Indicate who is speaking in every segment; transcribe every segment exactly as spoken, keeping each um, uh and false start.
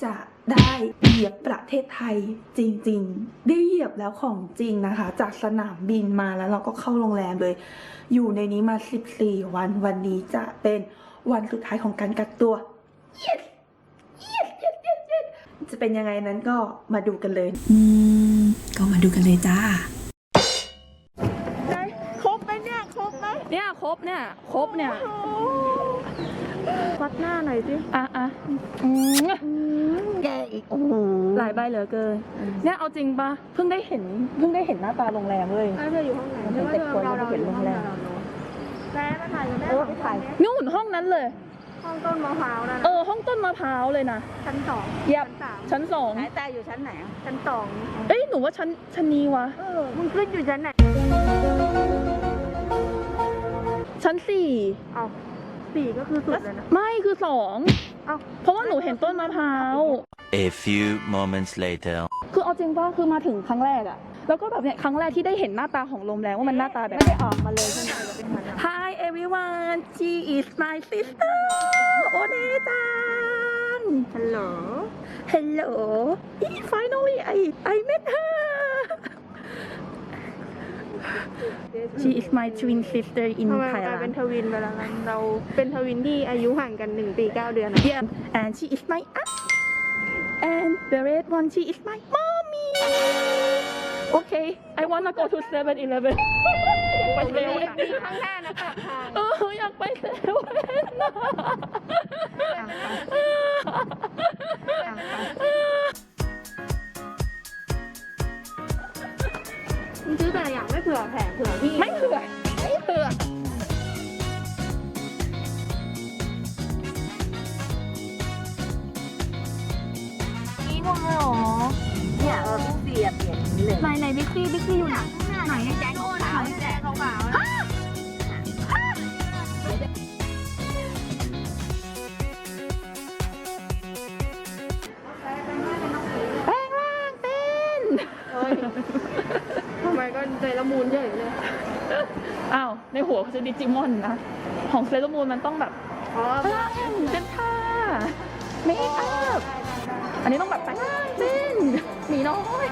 Speaker 1: จะได้เหยียบประเทศไทยจริงๆได้เหยียบแล้วของจริงนะคะจากสนามบินมาแล้วเราก็เข้าโรงแรมเลยอยู่ในนี้มาสิบสี่วันวันนี้จะเป็นวันสุดท้ายของการกักตัว yes yes yes yes yes จะเป็นยังไงนั้นก็มาดูกันเลย
Speaker 2: อืมก็มาดูกันเลยจ้า
Speaker 1: ครบไหมเนี่ยครบไหม
Speaker 3: เนี่ยครบเนี่ยครบเนี่ย
Speaker 1: วัดหน้าหน่อยสิ
Speaker 3: อ่ะอ่ะ
Speaker 1: แกอีกโอ้โห
Speaker 3: หลายใบเหลือเกินเนี่ยเอาจริงปะเพิ่งได้เห็นเพิ่งได้เห็นหน้าตาโรงแรมเลย
Speaker 1: เธออยู่ห้องไหนเธอว่าเธอเราเราเห็นโรงแรมแม่มาถ่ายกันได้ไปถ่าย
Speaker 3: นู่นห้องนั้นเลย
Speaker 1: ห้องต้นมะพร้าวนะ
Speaker 3: เออห้องต้นมะพร้าวเลยนะ
Speaker 1: ชั้นสอง
Speaker 3: ยับชั้นสอง
Speaker 1: ไหนแต่อยู่ชั้นไหนอ่ะชั้นสอง
Speaker 3: เอ้ยหนูว่าชั้นชั้นนี้วะ
Speaker 1: เออมึงขึ้นอยู่ชั้นไหน
Speaker 3: ชั้นสี่
Speaker 1: เอาสี่ก็คือสุดเลยนะ
Speaker 3: ไม่คือสองเอาเพราะว่าหนูเห็นต้นมะพร้าว
Speaker 4: A few moments later
Speaker 3: คือเอาจริงป่ะคือมาถึงครั้งแรกอะแล้วก็แบบเนี้ยครั้งแรกที่ได้เห็นหน้าตาของโรงแรมว่ามันหน้าตาแบบ
Speaker 1: ไม่ได้ออกมาเลยใช่ไหม
Speaker 3: Hi everyone she is my sister โอเนจัง
Speaker 1: Hello
Speaker 3: Hello finally I I met her She is my twin sister in Thailand
Speaker 1: ทำไมกลายเป็นทวินไปแล้วกันเราเป็นทวินที่อายุห่างกันหนึ่งปีเก้าเดือนนะ
Speaker 3: Yeah and she is my aunt and the red one she is my mommy Okay I wanna go to seven eleven ไปเซเว่น
Speaker 1: ข้างหน้านะคะ
Speaker 3: เอออยากไปเซเว่น
Speaker 1: ซื้อแต่อย่างไม่เผื่อแผงเผื่อพี่
Speaker 3: ไม่เผื่อไม่เผื่อ
Speaker 1: นี่งงเลยหรอเนี่ยเออพี่เสียเปลี่ยนนี้เลย
Speaker 3: ไหนไหนบิ๊กซี่บิ๊กซี่อยู่ไหน
Speaker 1: ไหนแจ๊คขาวแจ๊คขาว
Speaker 3: แปลงร่างเป็น
Speaker 1: ทำไมก็เซรามูนเยอะเลย
Speaker 3: อ้าวในหัวคือดิจิมอนนะของเซรามูนมันต้องแบบ
Speaker 1: อ๋อ
Speaker 3: เจนท่าเมคอัพอันนี้ต้องแบบแปลงร่างเป็นหมีน้อย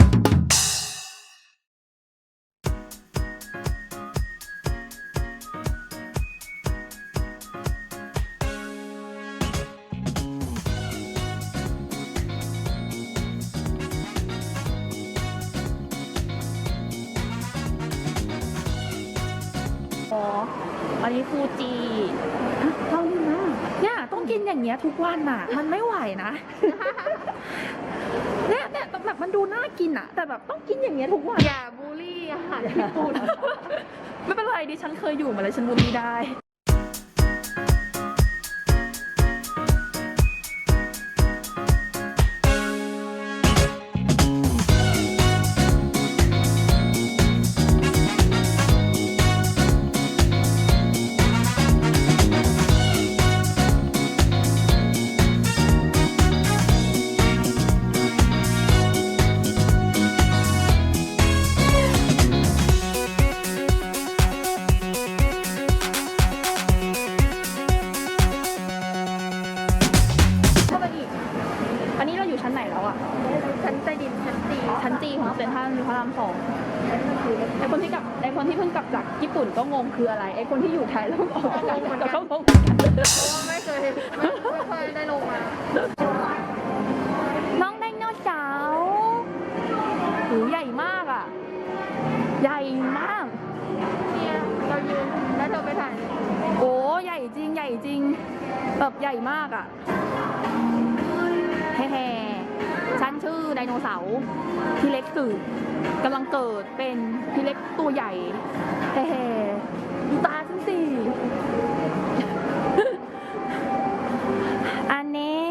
Speaker 3: อ๋ออันนี้ฟูจิ
Speaker 1: เท่านี้นะ
Speaker 3: เนี่ยต้องกินอย่างเงี้ยทุกวันอ่ะมันไม่ไหวนะเนี่ยเนี่ยแบบมันดูน่ากินอ่ะแต่แบบต้องกินอย่างเงี้ยทุกวัน
Speaker 1: อย่าบูลลี่อาหารญี่ปุ่น
Speaker 3: ไม่เป็นไรดิฉันเคยอยู่มาเลยฉันบูลลี่ได้ชั้นไหนแล้วอ่ะ
Speaker 1: ชั้นใต้ดินชั้นจี
Speaker 3: ชั้นจีของเซ็นทรัลพระรามสองไอคนที่กลับไอคนที่เพิ่งกลับจากญี่ปุ่นก็งงคืออะไรไอคนที่อยู่ไทยแล้วออกจากก็เขางง
Speaker 1: เพราะว่าไม่เคยไม่เคยได้ลงมา
Speaker 3: น้องไดโนเสาร์หูใหญ่มากอ่ะใหญ่มาก
Speaker 1: เนี่ยเรายืนแล้วเธอไปถ่าย
Speaker 3: โอ้ใหญ่จริงใหญ่จริงแบบใหญ่มากอ่ะแฮ่ๆฉันชื่อไดโนเสาร์พี่เล็กสื่อกำลังเกิดเป็นพี่เล็กตัวใหญ่แฮ่ๆดูตาฉันสิอันนี้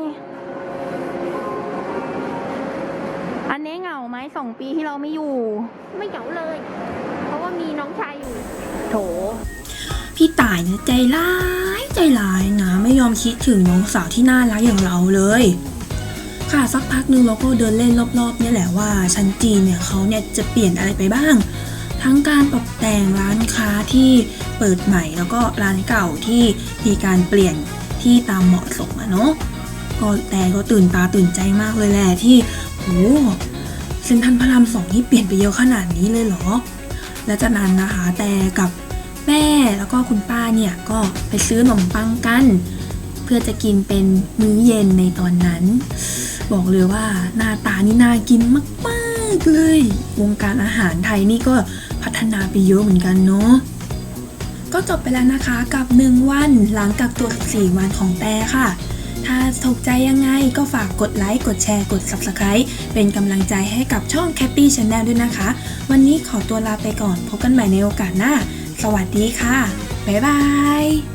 Speaker 3: อันนี้เหงาไหมสองปีที่เราไม่อยู่
Speaker 1: ไม่เหงาเลยเพราะว่ามีน้องชายอยู่
Speaker 3: โถ
Speaker 2: พี่ต่ายนะใจร้ายใจร้ายนะไม่ยอมคิดถึงน้องสาวที่น่ารักอย่างเราเลยค่ะสักพักนึงเราก็เดินเล่นรอบๆนี่แหละว่าชั้นจีนเนี่ยเขาเนี่ยจะเปลี่ยนอะไรไปบ้างทั้งการตกแต่งร้านค้าที่เปิดใหม่แล้วก็ร้านเก่าที่มีการเปลี่ยนที่ตามเหมาะสมอะเนาะก็แต่ก็ตื่นตาตื่นใจมากเลยแหละที่โหเซ็นทรัลพระรามสองนี่เปลี่ยนไปเยอะขนาดนี้เลยเหรอและจากนั้นนะคะแต่กับแม่แล้วก็คุณป้าเนี่ยก็ไปซื้อขนมปังกันเพื่อจะกินเป็นมื้อเย็นในตอนนั้นบอกเลยว่าหน้าตานี่น่ากินมากๆเลยวงการอาหารไทยนี่ก็พัฒนาไปเยอะเหมือนกันเนาะก็จบไปแล้วนะคะกับหนึ่งวันหลังกักตัวสี่วันของแต่ค่ะถ้าถูกใจยังไงก็ฝากกดไลค์กดแชร์กด ซับสไครบ์ เป็นกำลังใจให้กับช่อง Cappy Channel ด้วยนะคะวันนี้ขอตัวลาไปก่อนพบกันใหม่ในโอกาสหน้าสวัสดีค่ะบ๊ายบาย